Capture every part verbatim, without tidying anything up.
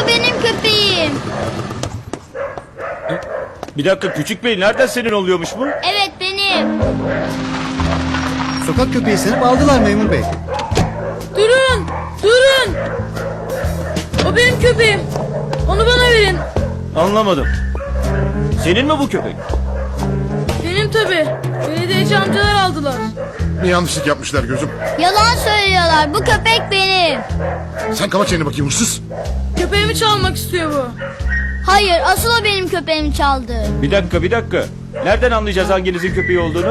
o benim köpeğim. Bir dakika küçük bey, nereden senin oluyormuş bu? Evet benim. Sokak köpeği sanıp aldılar memur bey. Durun! Durun! O benim köpeğim. Onu bana verin. Anlamadım. Senin mi bu köpek? Benim tabi. Belediyeci amcalar aldılar. Ne yanlışlık yapmışlar gözüm. Yalan söylüyorlar. Bu köpek benim. Sen kapa çeneni bakayım hırsız. Köpeğimi çalmak istiyor bu. Hayır, asıl o benim köpeğimi çaldı. Bir dakika bir dakika. Nereden anlayacağız hanginizin köpeği olduğunu?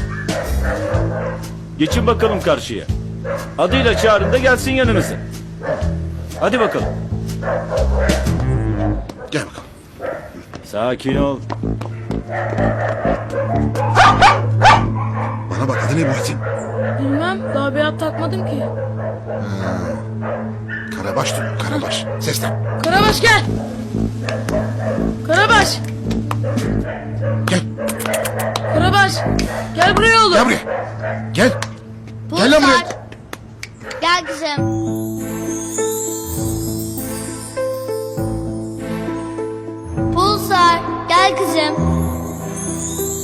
Geçin bakalım karşıya. Adıyla çağırın da gelsin yanınıza. Hadi bakalım. Gel bakalım. Sakin ol. Bana bak adı ne Muhittin? Bilmem. Daha bir ad takmadım ki. Karabaş diyor Karabaş. Seslen. Karabaş gel. Karabaş. Gel. Karabaş. Gel buraya oğlum. Gel buraya. Gel. Gel lan buraya. Pulsar. Gel kızım. Pulsar, gel kızım.